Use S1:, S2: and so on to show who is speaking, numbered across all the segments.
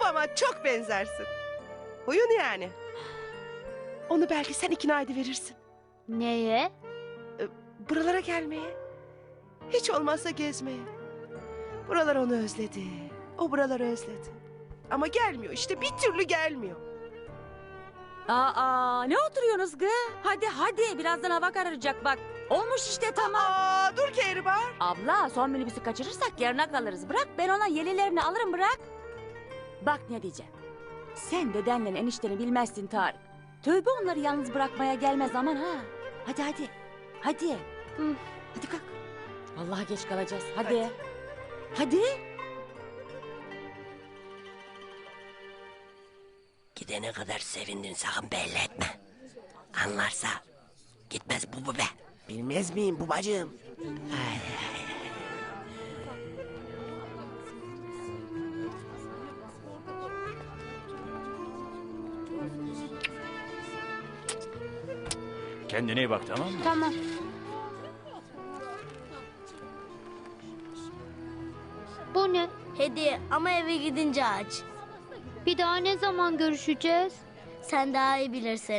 S1: babama çok benzersin. Huyun yani. Onu belki sen ikna ediverirsin.
S2: Neye?
S1: Buralara gelmeye. Hiç olmazsa gezmeye. Buralar onu özledi. O buraları özledi. Ama gelmiyor işte, bir türlü gelmiyor.
S3: Aa, ne oturuyorsunuz gı? Hadi birazdan hava kararacak bak. Olmuş işte tamam.
S1: Dur Kehribar.
S3: Abla son minibüsü kaçırırsak yarına kalırız. Bırak ben ona yelilerini alırım bırak. Bak ne diyeceğim. Sen dedenle enişteni bilmezsin Tarık. Tövbe onları yalnız bırakmaya gelmez aman ha. Hadi. Hadi. Hadi kalk. Vallahi geç kalacağız. Hadi.
S4: Gidene kadar sevindin, sakın belli etme. Anlarsa gitmez bu be. Bilmez miyim babacığım? Ay.
S5: Kendine iyi bak, tamam mı?
S2: Tamam. Bu ne?
S6: Hediye ama eve gidince aç.
S2: Bir daha ne zaman görüşeceğiz?
S6: Sen daha iyi bilirsin.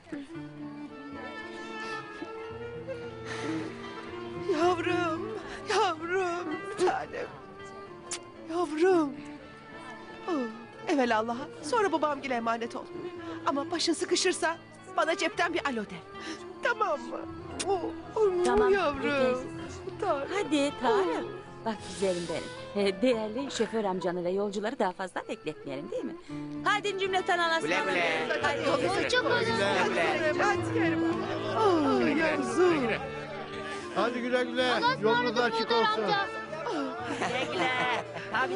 S1: Yavrum, bir tanem. Yavrum. Evvel Allah'a, sonra babamgile emanet ol. Ama başın sıkışırsa bana cepten bir alo de. Tamam mı?
S3: Tamam,
S1: yavrum. Tarık.
S3: Hadi Tarık. Bak güzelim benim. Değerli şoför amcanı ve yolcuları daha fazla bekletmeyelim değil mi? Hadi cümleten anasını.
S4: Güle güle.
S2: Hoşçakalın.
S1: Hadi Kehribar. Yavrum.
S7: Hadi güle güle.
S2: Allah'a
S7: Yolunuz
S2: ısmarladık
S7: açık
S2: Muhtar
S7: olsun.
S2: amca.
S3: Güle güle.